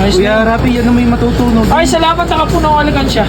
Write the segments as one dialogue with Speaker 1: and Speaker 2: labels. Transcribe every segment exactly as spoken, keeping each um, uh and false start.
Speaker 1: Ayos
Speaker 2: Kuya
Speaker 1: na.
Speaker 2: Rapi, yan ang may matutunog.
Speaker 1: Ay, salamat. Nakapuno ang alikansya.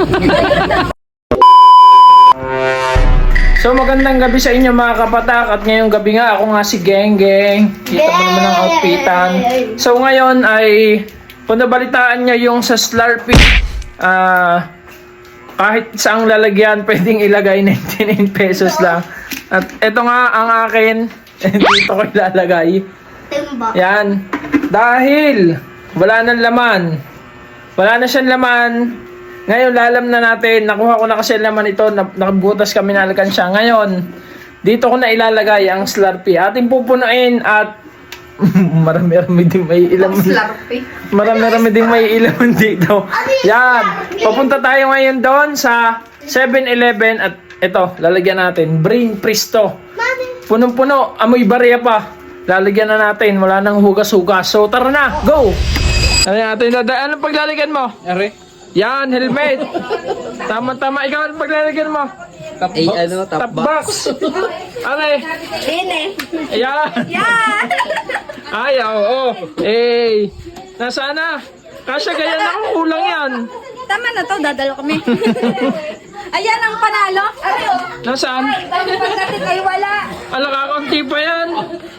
Speaker 1: So magandang gabi sa inyo mga kapatak. At ngayong gabi nga ako nga si Geng Geng. Kita mo naman ang outfitan. So ngayon ay kung nabalitaan nyo yung sa Slurpee, ah kahit saang lalagyan pwedeng ilagay ninety-nine pesos lang. At ito nga ang akin. Dito ko ilalagay. Yan. Dahil wala nang laman. Wala na siyang laman. Ngayon, lalam na natin. Nakuha ko na kasi laman ito. Nakabutas kami na alkansya. Ngayon, dito ko na ilalagay ang Slurpee. Ating pupunuin at marami-rami din may ilaman. Marami-rami din may ilaman dito. Yan. Papunta tayo ngayon doon sa seven eleven at ito, lalagyan natin. Brain Presto. Punong-puno. Amoy barya pa. Lalagyan na natin. Wala nang hugas-hugas. So, tara na. Go! Ano natin? Anong paglalagyan mo?
Speaker 2: Are?
Speaker 1: Yan, helmet. Tama-tama. Ikaw ang paglalagyan mo.
Speaker 2: Top box. Ay, ano, top,
Speaker 1: Top
Speaker 2: box.
Speaker 1: box. Are.
Speaker 3: Ine.
Speaker 1: Ayan.
Speaker 3: Yan.
Speaker 1: Ay, oo. Oh, eh. Nasaan na? Kasya ganyan ako. Kulang yan.
Speaker 3: Tama na to, dadalo kami. Ayan ang panalo.
Speaker 1: Nasaan?
Speaker 3: Pagdating ay wala.
Speaker 1: Alakakunti pa yan.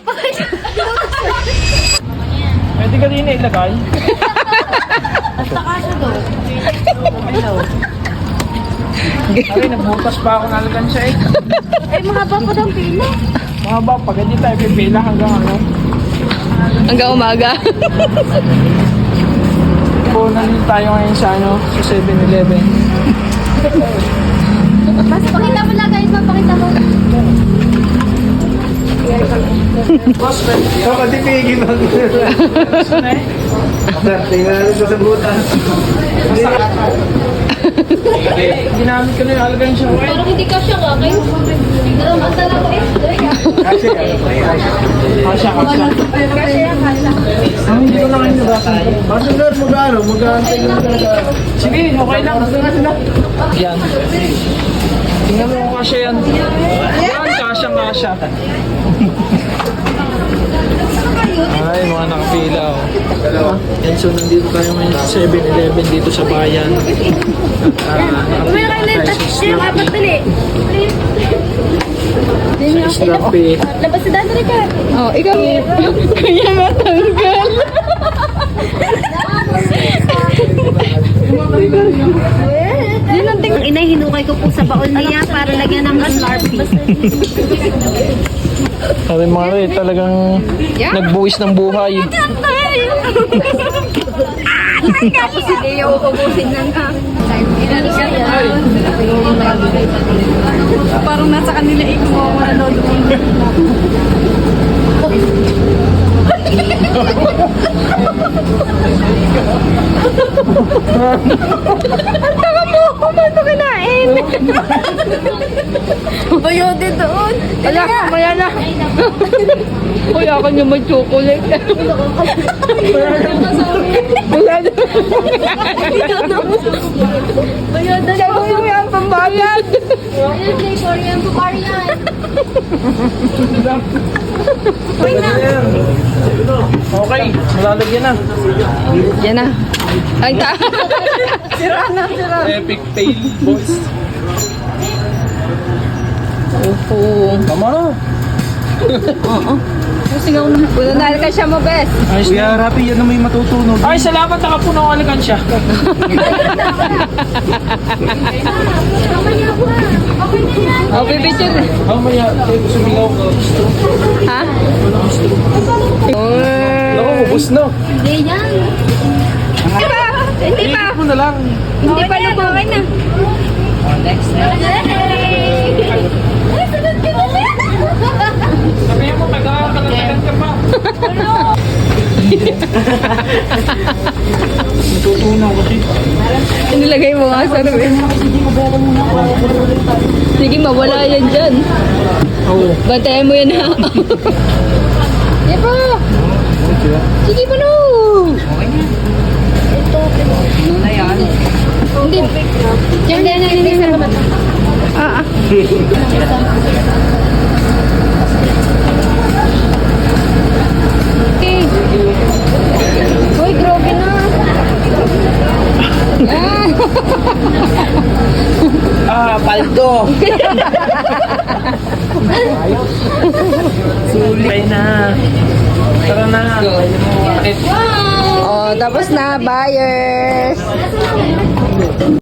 Speaker 1: Pwede ka din ilagay.
Speaker 3: Basta kaso do.
Speaker 1: Ay, nagbutas pa ako ng alkansya eh.
Speaker 3: Ay, mga bapa daw pila.
Speaker 1: Mga ba, pag hindi tayo pipila hanggang ano.
Speaker 4: Hanggang umaga.
Speaker 1: Po, nandito tayo ngayon sa ano, sa seven eleven.
Speaker 3: Mas pakita mo lang guys, mapakita mo.
Speaker 1: Boss, pwede.
Speaker 2: Ikaw ka tipigin mo. Sir, tingnan natin sa sabutan.
Speaker 1: Ginamit ko na yung alkansya ko eh.
Speaker 3: Parang hindi ka siya ka, kayo. Ang dala ko eh.
Speaker 2: Kasi, ano ba yan?
Speaker 1: Kasya, kasya.
Speaker 3: Kasi yan, kasa.
Speaker 1: Ah, hindi ko na kayo nabasa.
Speaker 2: Basta sir, mag-ano, mag-aantay ka na talaga.
Speaker 1: Sige, okay lang. Yan. Tingnan mo kung kasya yan. Yan, kasyang kasya. Ay, mga nakapila oh. Yan, so nandito tayo ngayon sa seven eleven dito sa bayan. At uh,
Speaker 3: May kayo na yung apat dali.
Speaker 1: sa Slurpee.
Speaker 3: Labas si Dante ka.
Speaker 4: Oh, ikaw. Kaya matanggal.
Speaker 3: Yun ang ting... Inay, hinukay ko po sa baon niya para lagyan ng Slurpee.
Speaker 1: Sabi mga rin, talagang nagbuwis ng buhay.
Speaker 3: Tapos si Leo, ubusin na nga.
Speaker 4: Parang nasa kanila ikaw manood.
Speaker 3: Taka mo, kumano kinain. Bayode doon.
Speaker 4: Ala, mamaya na. Kuya ka niya may chocolate. Wala na.
Speaker 3: Bayode
Speaker 4: Siya mo yung yung pambayad.
Speaker 3: Ayun, Jay, sorry yan, pupari yan.
Speaker 1: Okay, malalagyan na.
Speaker 4: Yan na. Ay, ta.
Speaker 1: Epic fail, boys.
Speaker 4: Opo.
Speaker 1: Tama na.
Speaker 4: Oo. Sigaw na. Puno na ka siya mo, bes.
Speaker 1: Ayos
Speaker 2: Kuya
Speaker 1: na.
Speaker 2: Rapi, yan ang may matutunog.
Speaker 1: Ay, salamat. Nakapuno ang alkansya.
Speaker 4: Oh, bibidyo.
Speaker 1: Mamaya, sumigaw ka.
Speaker 4: Ha?
Speaker 1: Naku, ubus na.
Speaker 3: Hindi yan.
Speaker 4: Hindi pa. Hindi pa.
Speaker 1: Ikot mo na lang.
Speaker 4: Hindi pa lubog.
Speaker 3: Okay na. Next. Ay, sunod ka na siya.
Speaker 1: Sabihin mo, taga-kalatagan ka pa. Natutunaw kasi.
Speaker 4: Nilagay mo nga sa rubin. Sige, mawala yan dyan.
Speaker 1: Oo.
Speaker 4: Bantayan mo yan ha. Sige pa. Sige pa no. Hindi. Diyan na yan hindi sa mata. Ah ah. Okay. Uy, grabe na.
Speaker 2: paldo.
Speaker 1: Sulit na. Tara na.
Speaker 3: Oh, tapos na, buyers.